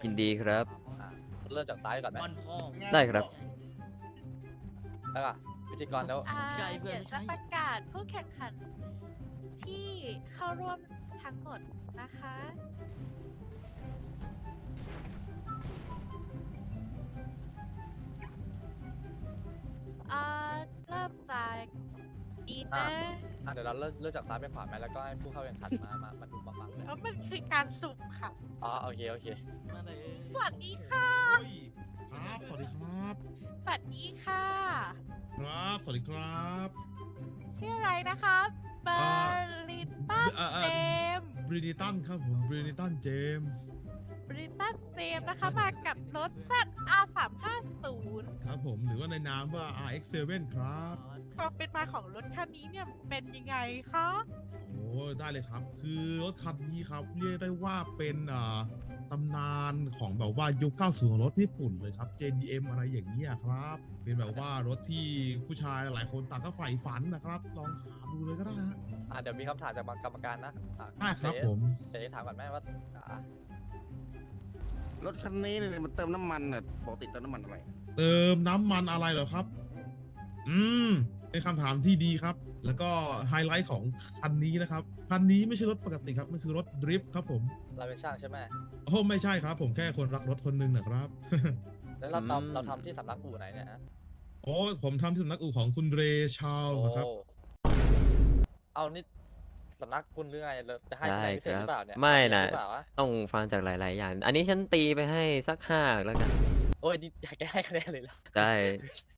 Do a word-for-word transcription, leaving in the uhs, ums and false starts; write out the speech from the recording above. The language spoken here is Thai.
ยินดีครับอ่ะเริ่มจากซ้ายก่อนไหมบอลพ่อได้ครับแล้วก็พิธีกรแล้วอ่าใช่เพื่อนเดี๋ยวไม่ใช่จะประกาศผู้แข่งขันที่เข้าร่วมทั้งหมดนะคะ อ่า เริ่มจากอีนะอ่ะเดี๋ยวเราเริ่มเริ่มจากซ้ายไปขวาไหมแล้วก็ให้ผู้เข้าแข่งขันมามามาดูมาฟังเลยเพราะมันคือการสุ่มค่ะอ๋อโอเคโอเคมาเลยสวัสดีค่ะเฮ้ยครับ สวัสดีครับสวัสดีค่ะครับ สวัสดีครับชื่ออะไรนะคะเบออ่าร์ลิตันเอ่อเอ่อเจมส์บรินิตันครับผม บรินิตันเจมส์บริตันเจมส์นะคะ มากับรถ แซด อาร์ สามห้าศูนย์ครับผม หรือว่าในนามว่า อาร์ เอ็กซ์ เซเว่น ครับความเป็นมาของรถคันนี้เนี่ยเป็นยังไงคะโอ้ได้เลยครับ คือรถคันนี้ครับ เรียกได้ว่าเป็นอ่าตำนานของแบบว่ายุค เก้าสิบ ของรถญี่ปุ่นเลยครับ เจ ดี เอ็ม อะไรอย่างเงี้ยครับ เป็นแบบว่ารถที่ผู้ชายหลายคนต่างก็ใฝ่ฝันนะครับ ลองถามดูเลยก็ได้ฮะอ่ะเดี๋ยวมีคำถามจากกรรมการนะอ่ะได้ครับเจ๊ผมเจ๊ถามก่อนไหมว่าอ่ะรถคันนี้เนี่ยมันเติมน้ำมันน่ะปกติเติมน้ำมันอะไรเติมน้ำมันอะไรเหรอครับ อืม เป็นคำถามที่ดีครับ แล้วก็ไฮไลท์ของคันนี้นะครับ คันนี้ไม่ใช่รถปกติครับ มันคือรถดริฟท์ครับผมเราเป็นช่างใช่ไหมโอ้ไม่ใช่ครับ ผมแค่คนรักรถคนหนึ่งนะครับแล้วเราอืมทำเราทำที่สำนักอู่ไหนเนี่ยฮะโอ้ผมทำที่สำนักอู่ของคุณเรชาร์ลโอ้ส์นะครับเอานี่สำนักคุณหรือไงเราจะให้ที่ไหนพิเศษหรือเปล่าเนี่ยไม่นะหรือเปล่าวะต้องฟังจากหลาย ๆ อย่าง อันนี้ฉันตีไปให้สักห้าแล้วกันโอ้ยนี่อยากจะให้คะแนนเลยเหรอได้